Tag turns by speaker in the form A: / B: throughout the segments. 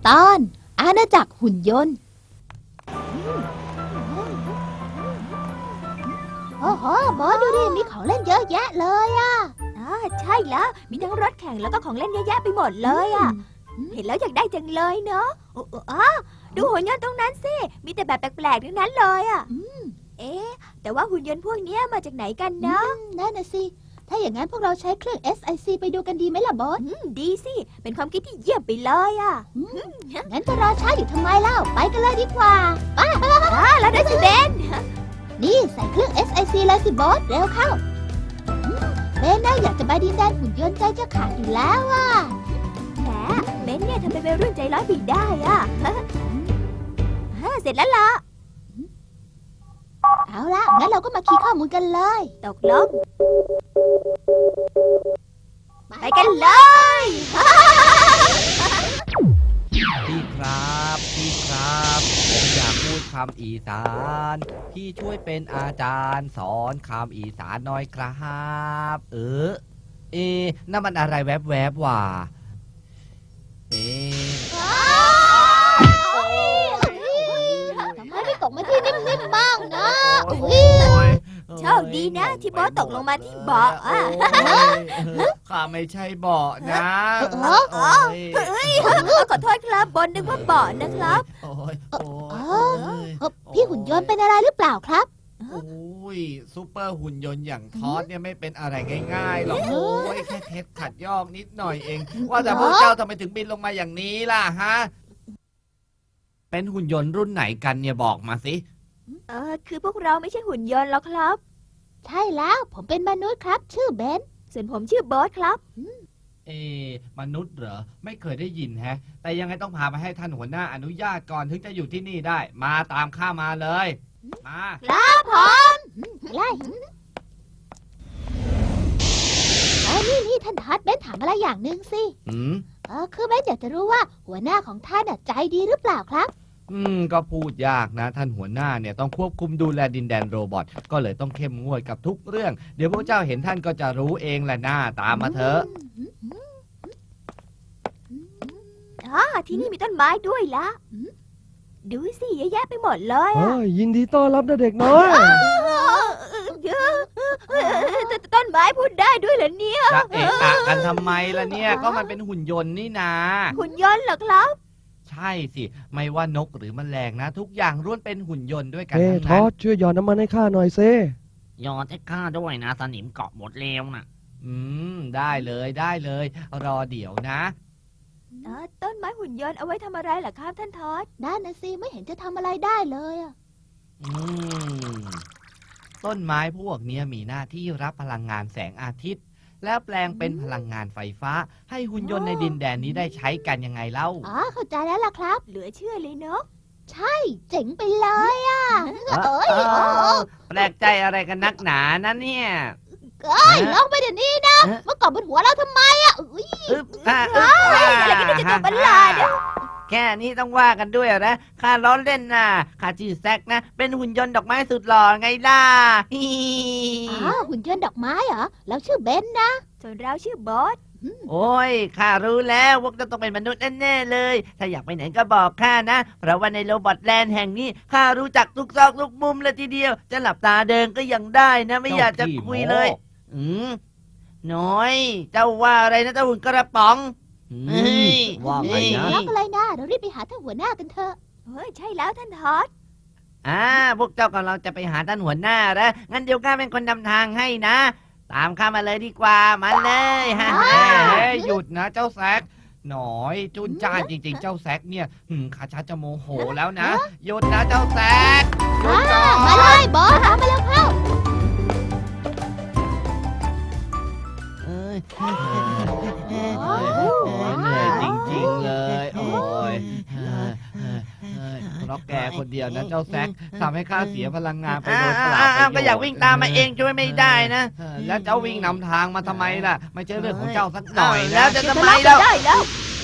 A: ตอนอาณาจักรหุ่นยนต์โอ้โหบอสดูดิมีของเล่นเยอะแยะเลยอ่ะ
B: ใช่แล้วมีทั้งรถแข่งแล้วก็ของเล่นเยอะแยะไปหมดเลยอ่ะเห็นแล้วอยากได้จังเลยเนาะดูหุ่นยนต์ตรงนั้นสิมีแต่แบบแปลกๆทั้งนั้นเลยอ่ะแต่ว่าหุ่นยนต์พวกนี้มาจากไหนกันเนาะ
A: นั่นน่ะสิถ้าอย่างนั้นพวกเราใช้เครื่อง SIC ไปดูกันดีไหมล่ะบอส
B: ดีสิเป็นความคิดที่เยี่ยมไปเลยอ่ะ
A: งั้นจะรอช้าอยู่ทำไมเล่าไปกันเลยดีกว่าไป
B: แล้วด้วยสิเบน
A: นี่ใส่เครื่อง SIC เลยสิบอสเร็วเข้าเบนน่าอยากจะไปดินแดนหุ่นยนต์ใจจะขาดอยู่แล้วอ่ะ
B: แหมเบนเนี่ยทำเป็นวัยรุ่นใจร้อนไปได้อ่ะเสร็จแล้วล่ะ
A: เอาละงั้นเราก็มาคีย์ข้อมูลกันเลย
B: ตกลงไปกันเลย
C: พี่ครับผมอยากพูดคำอีสานพี่ช่วยเป็นอาจารย์สอนคำอีสานหน่อยครับนั่นมันอะไรแวบๆว่ะ
A: ทำไมไม่ตกมาที่นิ่มๆบ้างนะ
B: โชคดีนะที่บอสตกลงมาที่เบาะอ่ะ
C: ข้าไม่ใช่เบาะนะ
B: ขอโทษครับบอสนึกว่าเบาะนะครับ
A: พี่หุ่นยนต์เป็นอะไรหรือเปล่าครับ
C: โอ้ยซูเปอร์หุ่นยนต์อย่างทอสเนี่ยไม่เป็นอะไรง่ายๆหรอกโอ้ยแค่เทสขัดยอกนิดหน่อยเอง ว่าแต่พวกเจ้าทำไมถึงบินลงมาอย่างนี้ล่ะฮะเป็นหุ่นยนต์รุ่นไหนกันเนี่ยบอกมาสิ
B: คือพวกเราไม่ใช่หุ่นยนต์หรอกครับ
A: ใช่แล้วผมเป็นมนุษย์ครับ ชื่อเบน
B: ส่วนผมชื่อบอสครับ
C: มนุษย์เหรอไม่เคยได้ยินแฮะแต่ยังไงต้องพามาให้ท่านหัวหน้าอนุญาตก่อนถึงจะอยู่ที่นี่ได้มาตามข้ามาเลยมา
B: ครับผม
A: ไล่นี่ท่านทัดเบนถามอะไรอย่างหนึ่งสิ คือเบนอยากจะรู้ว่าหัวหน้าของท่านใจดีหรือเปล่าครับ
C: ก็พูดยากนะท่านหัวหน้าเนี่ยต้องควบคุมดูแลดินแดนโรบอทก็เลยต้องเข้มงวดกับทุกเรื่องเดี๋ยวพวกเจ้าเห็นท่านก็จะรู้เองแหละหน้าตามมาเถอะ
B: ที่นี่มีต้นไม้ด้วยละดูสิเยอะแยะไปหมดเลยอ่ะ
D: ยินดีต้อนรับนะเด็กน้อย
B: ต้นไม้พูดได้ด้วยเหรอเนี่ย
C: จะเอะอะกันทำไมล่ะเนี่ยก็มันเป็นหุ่นยนต์นี่นา
B: หุ่นยนต์เหรอครับ
C: ใช่สิไม่ว่านกหรือแมลงนะ ทุกอย่างล้วนเป็นหุ่นยนต์ด้วยกัน
D: เฮ้
C: ทั้ง
D: ท
C: นั้
D: อน ดช่วยหยอดน้ำมันให้ข้าหน่อยเซ่
E: ยอดให้ข้าด้วยนะสนิมเกาะหมดแล้วนะ
C: ได้เลยรอเดี๋ยวนะ
B: ต้นไม้หุ่นยนต์เอาไว้ทำอะไรเหรอครับท่านทอด
A: ด้านนะสิไม่เห็นจะทำอะไรได้เลยอะ
C: ต้นไม้พวกเนี้ยมีหน้าที่รับพลังงานแสงอาทิตย์ แล้วแปลงเป็นพลังงานไฟฟ้า ให้หุ่นยนต์ในดินแดนนี้ได้ใช้กันยังไงเล่า
A: เข้าใจแล้วล่ะครับ
B: เหลือเชื่อเลยเนาะ
A: ใช่เจ๋งไปเลยอะเอ้ย
C: แปลกใจอะไรกันนักหนานะเนี่ย
A: ลองไปเดี๋ยวนี้นะเมื่อก่อนบนหัวเราทำไมอะอุ๊ย
B: อะไรกันเนี่ยจะตัวประหลาดอะ
C: แค่นี้ต้องว่ากันด้วยนะข้าล้อเล่นนะข้าชื่อแซกนะเป็นหุ่นยนต์ดอกไม้สุดหล่อไงล่ะ
A: หุ่นยนต์ดอกไม้เหรอเราชื่อเบนนะ
B: ส่วนเราชื่อบอส
C: โอ้ยข้ารู้แล้วว่าจะต้องเป็นมนุษย์แน่ๆเลย ถ้าอยากไปไหนก็บอกข้านะ เพราะว่าในโรบอทแลนด์แห่งนี้ข้ารู้จักทุกซอกทุกมุมเลยทีเดียว จะหลับตาเดินก็ยังได้นะ ไม่อยากจะคุยเลยน้อย เจ้าว่าอะไรนะเจ้าหุ่นกระป๋อง
D: ว่าไงนะ
A: ล็อกอะไรนะเรารีบไปหาท่านหัวหน้ากันเถอะ
B: ใช่แล้วท่านทอด
C: พวกเจ้ากำลังจะไปหาท่านหัวหน้าแล้วงั้นเดี๋ยวข้าเป็นคนนำทางให้นะ ตามข้ามาเลยดีกว่ามาเลยฮะหยุดนะเจ้าแซกหน่อยจุนจ้านจริงๆ เจ้าแซกเนี่ยข้าชักจะโมโหแล้วนะหยุดนะเจ้าแซกหยุดก่อน
A: มาเลยบอสตามมาแล้วเข้า
C: เหนื่อยจริงๆเลยโอ้ยเพราะแกคนเดียวนะเจ้าแซกทำให้ข้าเสียพลังงานไปโดยเปล่าประโยชน์ก็อยากวิ่งตามมาเองช่วยไม่ได้นะแล้วเจ้าวิ่งนำทางมาทะไมล่ะไม่ใช่เรื่องของเจ้าสักหน่อยนะแล้วจะทำไมแล้ว
B: ได้แล้ว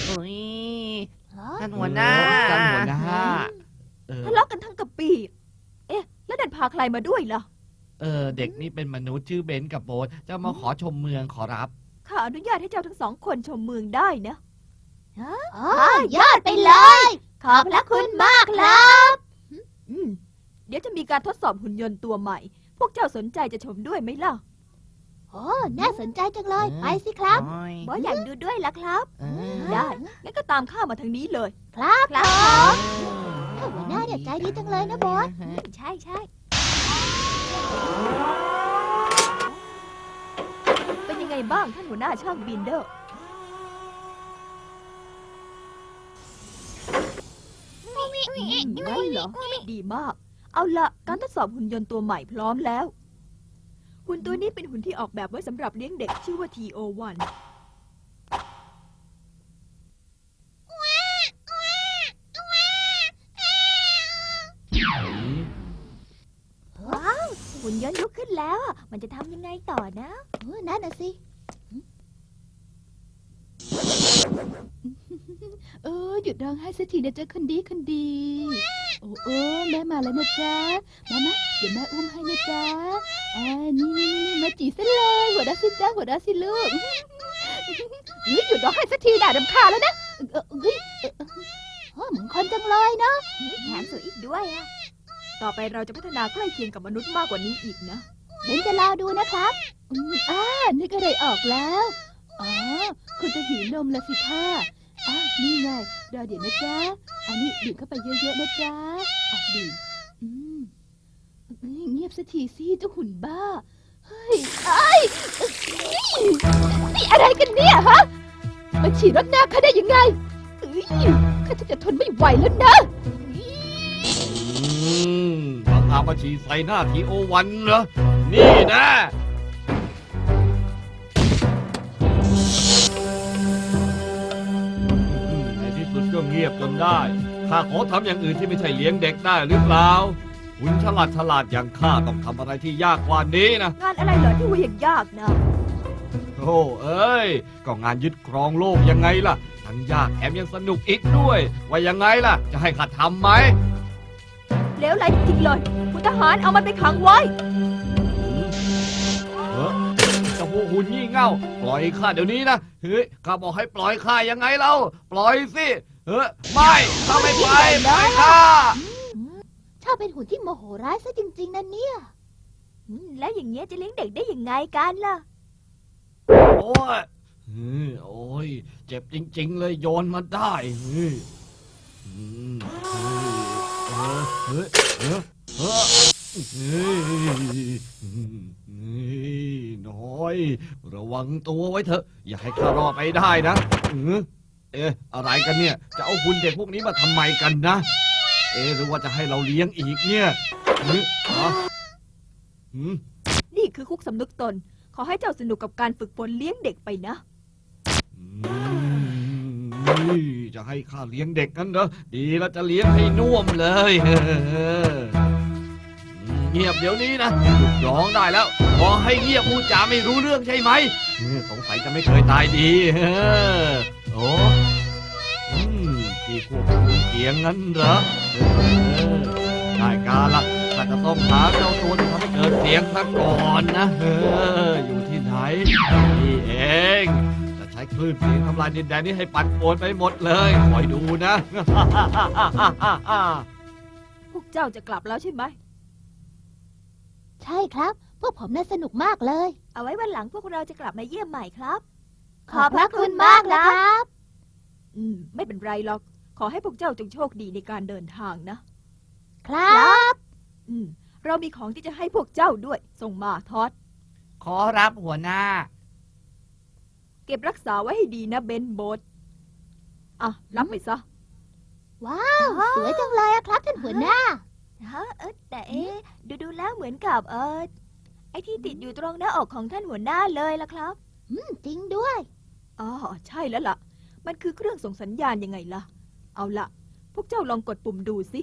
C: ท่านหัวหน้าท่านหัวหน้า
B: ทะเลาะกันทั้งกะปีแล้วดันพาใครมาด้วยล่ะ
C: เด็กนี่เป็นมนุษย์ชื่อเบนกับโบ๊ทจะมาขอชมเมืองขอรับ
B: ข้าอนุญาตให้เจ้าทั้งสองคนชมเมืองได้นะ
A: ยอดไปเลย ขอบพระคุณมากครับ
B: เดี๋ยวจะมีการทดสอบหุ่นยนต์ตัวใหม่ พวกเจ้าสนใจจะชมด้วยไหมล่ะ
A: โอ้น่าสนใจจังเลย ไปสิครับ
C: โอ้ย
B: บอสอยากดูด้วยล่ะครับ
C: เออ
B: ได้งั้นก็ตามข้ามาทางนี้เลย
A: ครับ
B: ครับ
A: หัวหน้าเนี่ยใจดีจังเลยนะบอส
B: ใช่ใช่ เป็นยังไงบ้างท่านหัวหน้าช่างบินเดอร์งั้นเหรอ ดีมาก เอาละการทดสอบหุ่นยนต์ตัวใหม่พร้อมแล้ว หุ่นตัวนี้เป็นหุ่นที่ออกแบบไว้สำหรับเลี้ยงเด็กชื่อว่า TO1 ว้าว หุ่นยนต์ลุกขึ้นแล้วอะมันจะทำยังไงต่อนะ
A: นั่นน่ะสิ
F: หยุดร้องไห้สักทีนะจ๊ะคนดีคนดี โอ้แม่มาแล้วนะจ๊ะมาเดี๋ยวแม่อุ้มให้นะจ๊ะนี่มาจีซะเลยหัวเราะสิจ๊ะหัวเราะสิลูกหยุดร้องไห้สักทีด่ารำคาญแล้วนะ
A: เหมือนคนจังเลยเนาะ
B: แถมสวยอีกด้วยอะต่อไปเราจะพัฒนาใกล้เคียงกับมนุษย์มากกว่านี้อีกนะ
A: เบนจะรอดูนะครับ
F: นึกอะไรออกแล้วคุณจะหิวนมละสิท่านี่ไงรอเดี๋ยวนะจ๊ะอันนี้ดื่มเข้าไปเยอะๆนะจ๊ะดื่มเงียบสักทีสิเจ้าหุ่นบ้าเฮ้ยนี่อะไรกันเนี่ยฮะมาฉีดรถหน้าข้าได้ยังไงข้าจะทนไม่ไหวแล้วนะ
E: บังอาจมาฉีดใส่หน้าทีโอวันเหรอ นี่นะในที่สุดก็เงียบจนได้ ข้าขอทำอย่างอื่นที่ไม่ใช่เลี้ยงเด็กได้หรือเปล่าหุ่นฉลาดอย่างข้าต้องทำอะไรที่ยากกว่านี้นะ
B: งานอะไรเหรอที่ว่าอย่างยากนะ
E: โอ้เอ้ย ก็งานยึดครองโลกยังไงล่ะ ทั้งยากแถมยังสนุกอีกด้วย ว่ายังไงล่ะ จะให้ข้าทำไหม
B: เลวไหลจริงๆเลยคุณทหารเอามันไปขังไว้
E: เจ้าพวกหุ่นงี่เง่า ปล่อยข้าเดี๋ยวนี้นะ เฮ้ย ข้าบอกให้ปล่อยข้ายังไงเล่า ปล่อยสิไม่ข้าไม่ไปปล่อยข้า
A: ชอบเป็นหุ่นที่โมโหร้ายซะจริงๆนะเนี่ย
B: แล้วอย่างเงี้ยจะเลี้ยงเด็กได้ยังไงกันล่ะ
E: โอ้ยโอ้ย เจ็บจริงๆเลยโยนมาได้เฮ้ยน้อย ระวังตัวไว้เถอะ อย่าให้ข้ารอดไปได้นะอะไรกันเนี่ย จะเอาหุ่นเด็กพวกนี้มาทำไมกันนะ หรือว่าจะให้เราเลี้ยงอีกเนี่ย
B: นี่คือคุกสำนึกตน ขอให้เจ้าสนุกกับการฝึกฝนเลี้ยงเด็กไปนะ
E: จะให้ข้าเลี้ยงเด็กกันเหรอ ดีแล้วจะเลี้ยงให้น่วมเลยเงียบเดี๋ยวนี้นะหยุดร้องได้แล้วพอให้เงียบพูดจาไม่รู้เรื่องใช่ไหมสงสัยจะไม่เคยตายดีโอ้ที่ควบคุมเสียงงั้นเหรอได้การละข้าจะต้องหาเจ้าตัวที่ทำให้เกิดเสียงซะก่อนนะอยู่ที่ไหนนี่เองจะใช้คลื่นเสียงทำลายดินแดนนี้ให้ปั่นป่วนไปหมดเลยคอยดูนะ
B: พวกเจ้าจะกลับแล้วใช่ไหม
A: ใช่ครับ พวกผมน่าสนุกมากเลย
B: เอาไว้วันหลังพวกเราจะกลับมาเยี่ยมใหม่ครับ
A: ขอบพระคุณมากนะครับ
B: ไม่เป็นไรหรอก ขอให้พวกเจ้าจงโชคดีในการเดินทางนะ
A: ครับ
B: เรามีของที่จะให้พวกเจ้าด้วย ส่งมาทอด
C: ขอรับหัวหน้า
B: เก็บรักษาไว้ให้ดีนะเบนโบทรับไปซะ
A: ว้าว สวยจังเลยอะครับท่านหัวหน้า
B: แต่ดูแล้วเหมือนกับไอ้ที่ติดอยู่ตรงหน้าอกของท่านหัวหน้าเลยล่ะครับ
A: จริงด้วย
B: ใช่แล้วล่ะ มันคือเครื่องส่งสัญญาณยังไงล่ะ เอาล่ะ พวกเจ้าลองกดปุ่มดูสิ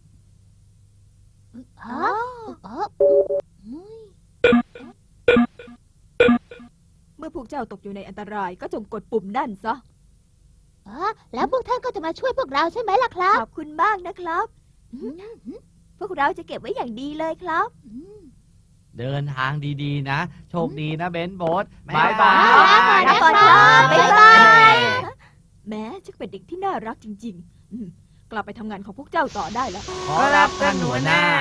B: เมื่อพวกเจ้าตกอยู่ในอันตรายก็จงกดปุ่มนั่นซะ
A: แล้วพวกท่านก็จะมาช่วยพวกเราใช่ไหมล่ะครับ
B: ขอบคุณมากนะครับ พวกเราจะเก็บไว้อย่างดีเลยครับ
C: เดินทางดีๆนะ โชคดีนะเบนโบส
A: บ๊ายบาย
C: บ๊ายบาย
B: บ๊ายบายแม้จะเป็นเด็กที่น่ารักจริงกลับไปทำงานของพวกเจ้าต่อได้แล้ว
C: ขอรับท่านหัวหน้า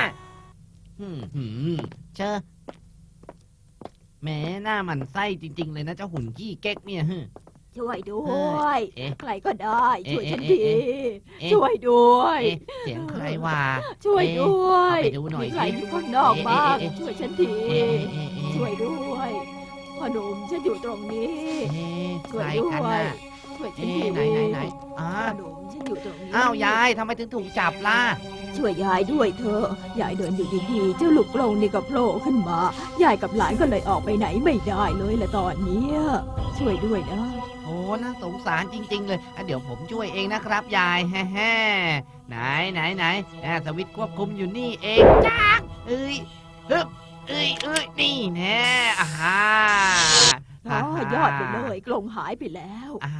C: เชอแหม้หน้าหมันไส้จริง ๆ เลยนะเจ้าหุ่นขี้เก๊กเนี่ยฮึ
B: ช่วยด้วย
C: เอ๊ะ
B: ใครก็ได้ช่วยฉันที
C: เอ๊ะ
B: ช่วยด้วย
C: เอ๊ะเสียงใครวะ
B: ช่วยด้วย
C: เอ๊ะเอาไปดูหน่อย
B: มีใคร
C: สิ
B: อยู่ข้างนอกบ้าง
C: เอ๊ะ
B: ช่วยฉันที
C: เอ๊ะเอ๊ะเอ๊ะ
B: ช่วยด้วยพ่อหนุ่มฉันอยู่ตรงนี้
C: เอ๊ะ
B: ช่
C: ใค
B: วย
C: ร
B: ด้
C: กัน
B: วย
C: น่ะ
B: ช่วยฉัน
C: เอ๊ะ
B: ที
C: ไหน
B: พ่
C: อ้า
B: อหนุ่มฉันอยู่ตรงนี้
C: อ้าวยายทำไมถึงถูกจับล่ะ
B: ช่วยยายด้วยเถอะยายเดินอยู่ดีๆเจ้าลูกกรงนี่ก็โผล่ขึ้นมายายกับหลานก็เลยออกไปไหนไม่ได้เลยละตอนเนี้ยช่วยด้วยนะ
C: โอ้น่าสงสารจริง ๆ เลยอ่ะเดี๋ยวผมช่วยเองนะครับยายแฮ่ๆไหนสวิตช์ควบคุมอยู่นี่เองจ้ากเอ้ยฮึบเอ้ยนี่แน่อ่าฮะ
B: อ๋อยอดไปเลยกรงหายไปแล้ว
C: อ่า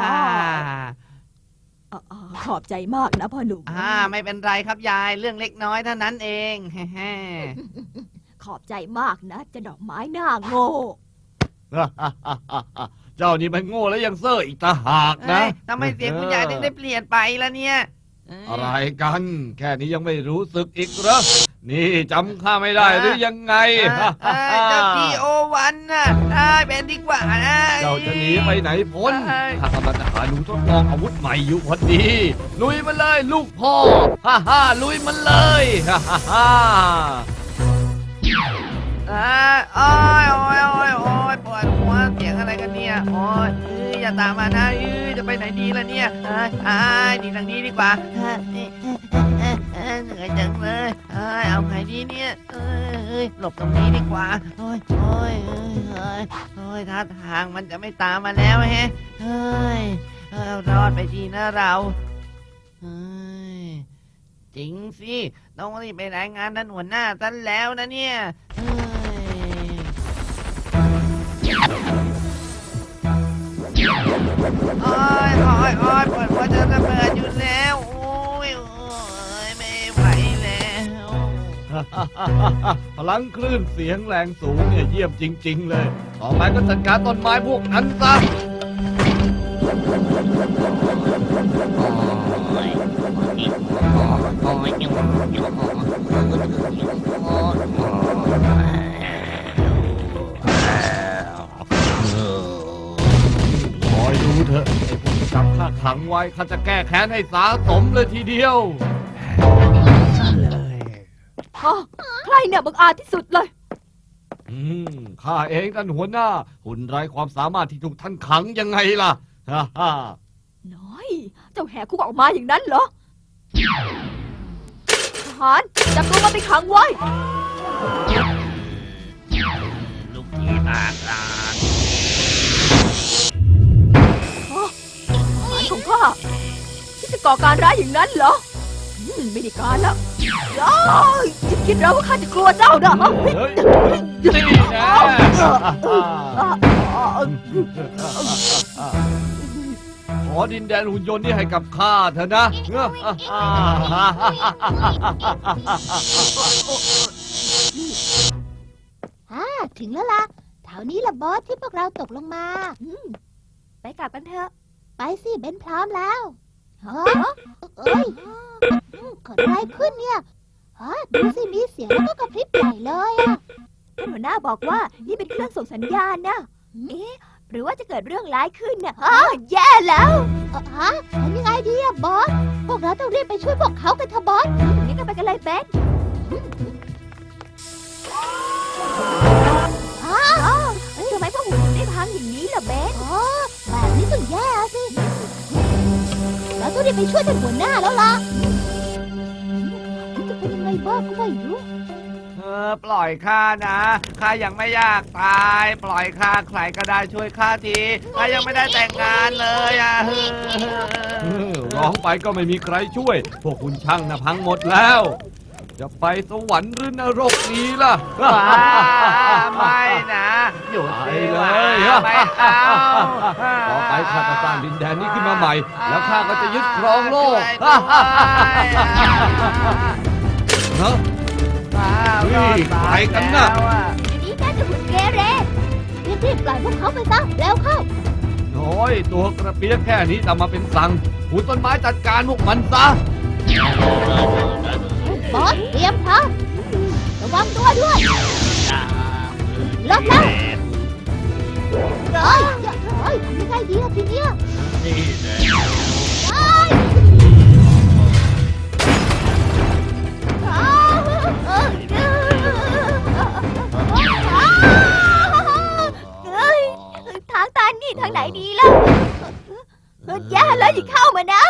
B: ขอบใจมากนะพ่อหนุ่ม
C: ไม่เป็นไรครับยายเรื่องเล็กน้อยเท่านั้นเองแฮ่
B: ขอบใจมากนะเจะดอกไม้หน้าโง่
E: เจ้านี่มันโง่แล้วยังเซ่ออีกต่างหาก
C: ๆ
E: นะ
C: เอ้ยทำไมเสียงคุณยายถึงได้เปลี่ยนไปล่ะเนี่ยเย
E: อะไรกัน แค่นี้ยังไม่รู้สึกอีกเหรอนี่จำข้าไม่ได้หรือยังไง
C: เจ้าทีโอวันน่ะเป็นดีกว่านะ
E: เจ้าจะหนีไปไหนพ้น
C: เอ้ย
E: ข้ากำลังจะหาหนูทดลองอาวุธใหม่อยู่พอดี ลุยมันเลยลูกพ่อ ลุยมันเลย
C: โอ้ยปวดหัวเสียงอะไรกันเนี่ยโอ้ยอย่าตามมานะจะไปไหนดีล่ะเนี่ยหนีทางนี้ดีกว่าเหนื่อยจังเลยเอาไงดีเนี่ยหลบตรงนี้ดีกว่าโอ้ยท่าทางมันจะไม่ตามมาแล้วแฮะรอดไปทีนะเราจริงสิต้องรีบไปรายงานท่านหัวหน้าท่านแล้วนะเนี่ยโอ้ยปวดหัวจะระเบิดอยู่แล้วโอ้ยไม่ไหวแล้ว
E: พลังคลื่นเสียงแรงสูงเนี่ยเยี่ยมจริง ๆ เลย ต่อไปก็จัดการต้นไม้พวกนั้นซะ คอยดูเถอะไอ้พวกที่จับข้าขังไว้ข้าจะแก้แค้นให้สาสมเลยทีเดียว
B: ใครเนี่ยบังอาจที่สุดเลย
E: ข้าเองท่านหัวหน้า หุ่นไร้ความสามารถที่ถูกท่านขังยังไงล่ะ
B: น้อย เจ้าแหกคุกออกมาอย่างนั้นเหรอทหารจับตัวมันไปขังไว้
C: ลูกที่ปากลาน
B: ทหารของข้าที่จะก่อการร้ายอย่างนั้นเหรอไม่ได้การแล้วจะคิดแล้วว่าข้าจะกลัวเจ้านะ
E: เฮ้ยนี่นะ ขอดินแดนหุ่นยนต์นี่ให้กับข้าเถอะนะ
A: ถึงแล้วล่ะแถวนี้ละบอสที่พวกเราตกลงมา
B: ไปกลับกันเถอะ
A: ไปสิเบนพร้อมแล้วฮะเอ้ยเกิดอะไรขึ้นเนี่ยฮะดูสิมีเสียงแล้วก็กระพริบใหญ่เลยอะ
B: ท่านหัวหน้าบอกว่านี่เป็นเครื่องส่งสัญญาณนะ เอ๊ะ หรือว่าจะเกิดเรื่องร้ายขึ้นน่ะแย่แล้ว
A: ฮะทำยังไงดีอะบอส พวกเราต้องรีบไปช่วยพวกเขากันเถอะบอส
B: นี่ก็ไปกันเลยเบนทำไมพวกหุ่นถึงได้พังอย่างนี้ล่ะเบน
A: แบบนี้ต้องแย่สิ เราต้องรีบไปช่วยท่านหัวหน้าแล้วล่ะจะเป็นยังไงบ้างก็ไม่รู้
C: ปล่อยข้านะข้ายังไม่อยากตาย ปล่อยข้าใครก็ได้ช่วยข้าทีข้ายังไม่ได้แต่งงานเลย
E: ร้องไปก็ไม่มีใครช่วย พวกคุณช่างนะพังหมดแล้ว จะไปสวรรค์หรือนรกดีล่ะ
C: ไม่นะหยุด
E: ไป
C: สิ
E: เล
C: วะ
E: ย
C: ไม่เอา
E: ต่อไปข้าจะสร้างดินแดนนี้ขึ้นมาใหม่ แล้วข้าก็จะยึดครองโลก
C: ช่วยด้วย
E: ฮะ ไปกันนะ
B: นี่น่าจะหุ่นเกเร
A: รีบปล่อยพวกเขาไปซะ เร็วเข้า
E: โอ้น้อยตัวกระเปียกแค่นี้ทำมาเป็นสั่งหูต้นไม้จัดการพวกมันซะ
A: บอสเตรียมพร้อมระวังตัวด้วยลบแล้วเฮ้ยเฮ้ยทำยังไงดีล่ะทีเนี้ย
E: นี่แหละ
B: ทางตันนี่ทางไหนดีล่ะแย่แล้วอย่าเข้ามานะ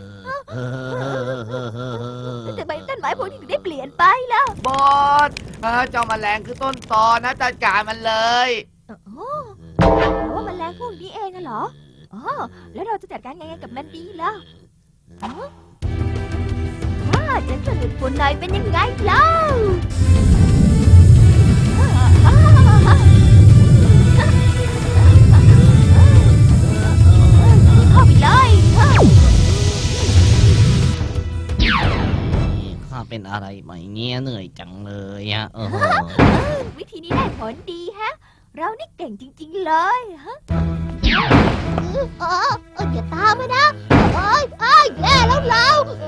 B: แต่ใบต้นไม้พวกนี้ถึงได้เปลี่ยนไปล่ะ
C: บอสเจ้าแมลงคือต้นตอนะจัดการมันเลย
B: แต่ว่ามันแรงพวกนี้เองอะเหรออ๋อแล้วเราจะจัดการยังไงกับมันดีล่ะฉันจะหลุดฝุ่นหน่อยเป็นยังไงเล่าเข้าไปเลย
C: ข้าเป็นอะไรไหมเงี้ยเหนื่อยจังเลยอะ
B: วิธีนี้ได้ผลดีฮะ เรานี่เก่งจริงๆเลยฮะ
A: อย่าตามมานะเอ้ยแย่แล้วเรา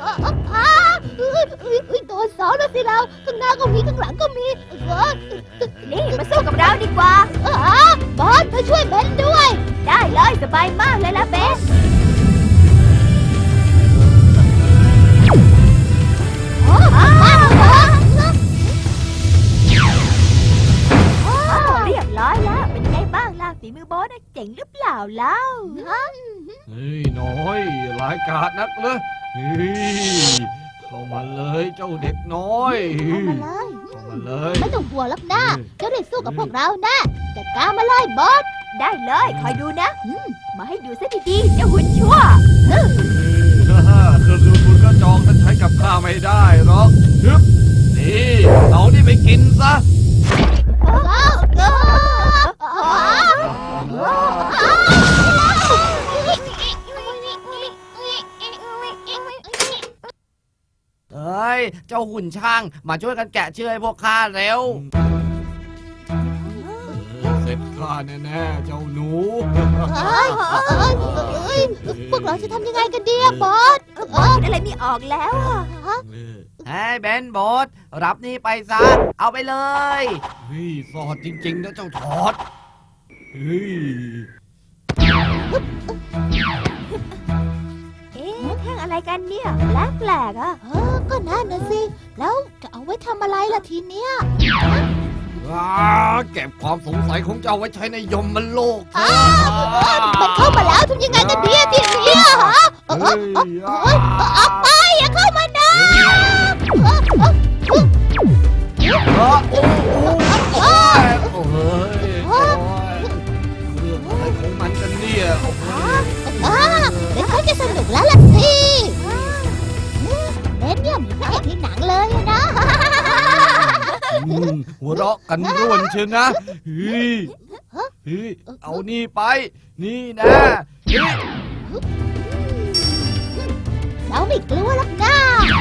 A: โดนสองแล้วสิเราข้างหน้าก็มีข้างหลังก็มี
B: นี่มาสู้กับเราดีกว่า
A: บอสมาช่วยเบนด้วย
B: ได้เลยสบายมากเลยละเบสเรียบร้อยแล้วเป็นไงบ้างล่ะฝีมือโบสน่ะเจ๋งหรือเปล่าเล่า
E: เฮ้ยน้อยหลายกาดนักเลยเฮ้ยเข้ามาเลยเจ้าเด็กน้อย
A: เข้ามาเลย
E: เข้ามาเลย
A: ไม่ต้องกลัวหรอกนะเจ้าได้สู้กับพวกเราแน่จัดการมาเลยบอส
B: ได้เลยคอยดูนะมาให้ดูซะดีๆเจ้าหุ่นชั่ว
E: เครื่องดูดฝุ่นกระจอกนั้นใช้กับข้าไม่ได้หรอกฮึบนี่เอานี่ไปกินซะ
C: เอ้ยเจ้าหุ่นช่างมาช่วยกันแกะเชือกให้พวกข้าเร็ว
E: เสร็จข้าแน่ๆเจ้าหนู
A: พวกเราจะทำยังไงกันดีอะบอส
B: คิดอะไรไม่ออกแล้วอะ
C: เฮ้ยเบนบอสรับนี่ไปซะ เอาไปเลย
E: เฮ้ยสอดจริงๆนะเจ้าทอดเฮ้ย
B: เอ๊ะแท่งอะไรกันเนี่ยแปลกๆอะ
A: ก็นั่นนะสิ แล้วจะเอาไว้ทำอะไรล่ะทีเนี้ย
E: เก็บความสงสัยของเจ้าไว้ใช้ในยมมันโลกเถอะ
A: มันเข้ามาแล้วทำยังไงกันดีอะทีเนี้ยฮะเอาไปอย่าเข้ามานะ
E: โอ้ยเรื่องอะไรของมันกันเนี่ยโอ้โห
A: เดี๋ยวเขาจะสนุกแล้วล่ะสิเบนเนี่ยเหมือนพระเอกในหนังเลยอะนะ
E: หัวเราะกันร่วนเชียวนะเฮ้ยเอานี่ไป นี่นะเฮ้ย
A: เราไม่กลัวหรอกนะ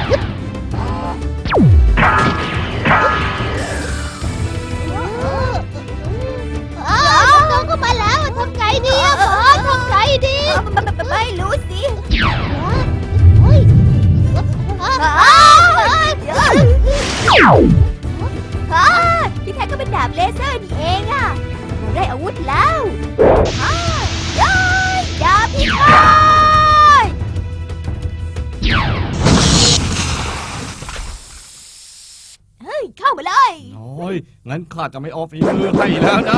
A: น้องก็มาแล้วทำไงดีอะบอสทำไงดี
B: ไม่รู้สิ
A: เฮ้ย
B: ที่แท้ก็เป็นดาบเลเซอร์นี่เองอะเราได้อาวุธแล้วดาบพิฆาตเฮ้ยเข้ามาเลย
E: น้อยงั้นข้าจะไม่ออฟฝีมือให้แล้วนะ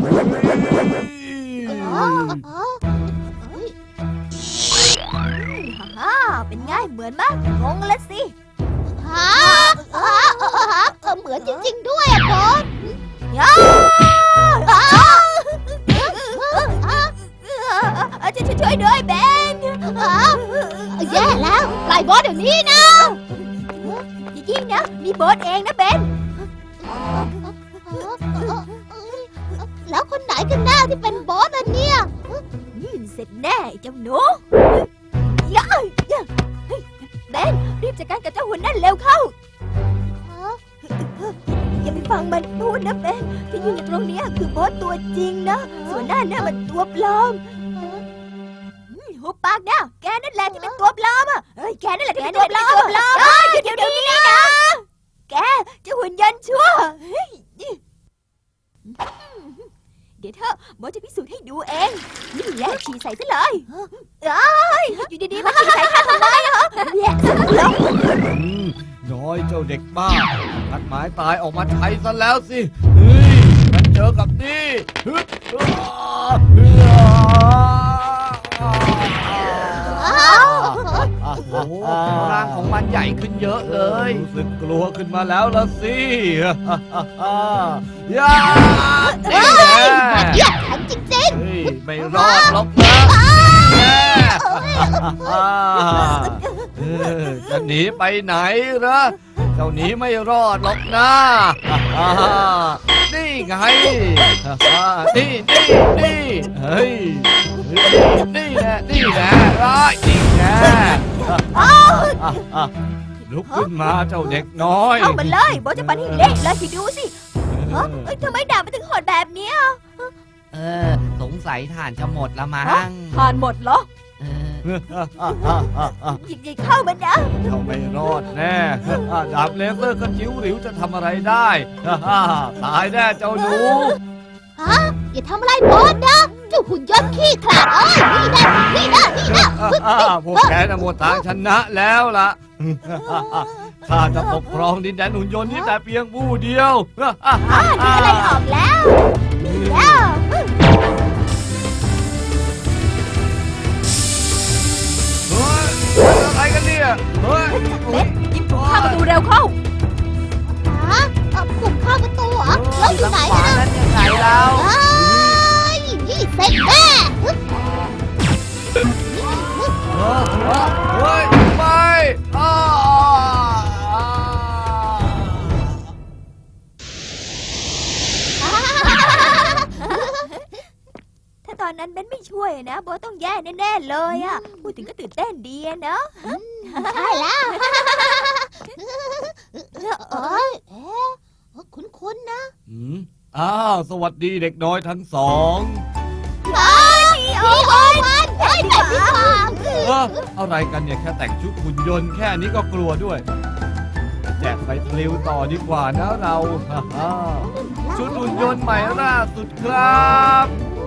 B: ฮ่าเป็นไงเหมือนมากงงละสิ
A: เหมือนจริงๆด้วยอะบอส
B: ช่วยด้วยเบน
A: แย่แล้วปล่อยบอสเดี๋ยวนี้นะ
B: อย่ายิ่งนะ มีโบสเองนะเบน
A: แล้วคนไหนกันแน่ที่เป็นบอสอะเนี่ย
B: เสร็จแน่เจ้าหนูเบนรีบจัดการกับเจ้าหุ่นนั่นเร็วเข้า อย่าไปฟังมันพูดนะเบนที่ยืนอยู่ตรงนี้คือโบสตัวจริงนะ ส่วนหน้าเนี่ยมันตัวปลอมหุบปากนะแกนั่นแหละที่เป็นตัวปลอมอ่ะเฮ้ยแกนั่นแหละที่เป็นตัวปลอมเฮ้ยหยุดเดี๋ยวนี้นะแกเจะหุ่นยนต์ชั่วเฮ้ยเดี๋ยวเธอโบทจะพิสูจน์ให้ดูเองนี่แหละฉี่ใส่ซะเลยเอ้ยอยู่ดีๆมาฉี่ใส่ข้าทำไมเหรอแย่ลง
E: น้อยเจ้าเด็กบ้านัดหมายตายออกมาใช้ซะแล้วสิเฮ้ยมันเจอกับนี่ฮึด
C: โอ้โหร่างของมันใหญ่ขึ้นเยอะเลย
E: รู้สึกกลัวขึ้นมาแล้วละสิย่านี่แหละ
A: เยี่ยมแข็งจริง
E: เฮ้ยไม่รอดหรอกนะจะหนีไปไหนนะเจ้าหนีไม่รอดหรอกนะนี่ไงนี่เฮ้ยนี่แหละจริงแน่ลุกขึ้นมาเจ้าเด็กน้อย
B: เข้ามาเลยโบทจะปั่นให้เละเลยสิดูสิเฮ้ยทำไมดาบมันถึงโหดแบบเนี้ย
C: สงสัยถ่านจะหมดละมั้ง
F: ผ่านหมดเหรอ
C: เออ
B: หยิบเข้ามานะ
E: เจ้าไม่รอดแน่ดาบเลเซอร์กระจิ๋วหลิวจะทำอะไรได้ตายแน่เจ้าหนู
A: ๆฮะอย่าทำอะไรโบสนะเจ้าหุ่นยนต์ขี้ขลาดนี่นะ
E: พวกแกน่ะหมดทางชนะแล้วล่ะข้าจะปกครองดินแดนหุ่นยนต์นี้แต่เพียงผู้เดียว
B: นึกอะไรออกแล้วแล้ว
E: เฮ้ยอะไรกันเนี่ยเฮ้ย
B: เล็ดหยิบถุงข้าวประตูเร็วเข้า
A: ฮะกลุ่มข้าวประตูเหรอเราอยู่ไหน
C: ขวา
A: นะ
C: นั้นยังไงเรา
A: เฮ้ยนี่เสร็จแน่
E: เฮ้ยไม่
B: ถ้าตอนนั้นเบนไม่ช่วยนะโบทต้องแย่แน่ๆเลยอ่ะพูดถึงก็ตื่นเต้นดีอะเนาะ
A: ใช่แล้วเอ้ยคุ้นๆนะ
E: สวัสดีเด็กน้อยทั้งสอง
A: พี่โอวันเฮ้ยแต่พี่ฟาง
E: อะไรกันเนี่ยแค่แต่งชุดหุ่นยนต์แค่นี้ก็กลัวด้วยแจกไฟทริวต่อดีกว่านะเราชุดหุ่นยนต์ใหม่ล่าสุดครับ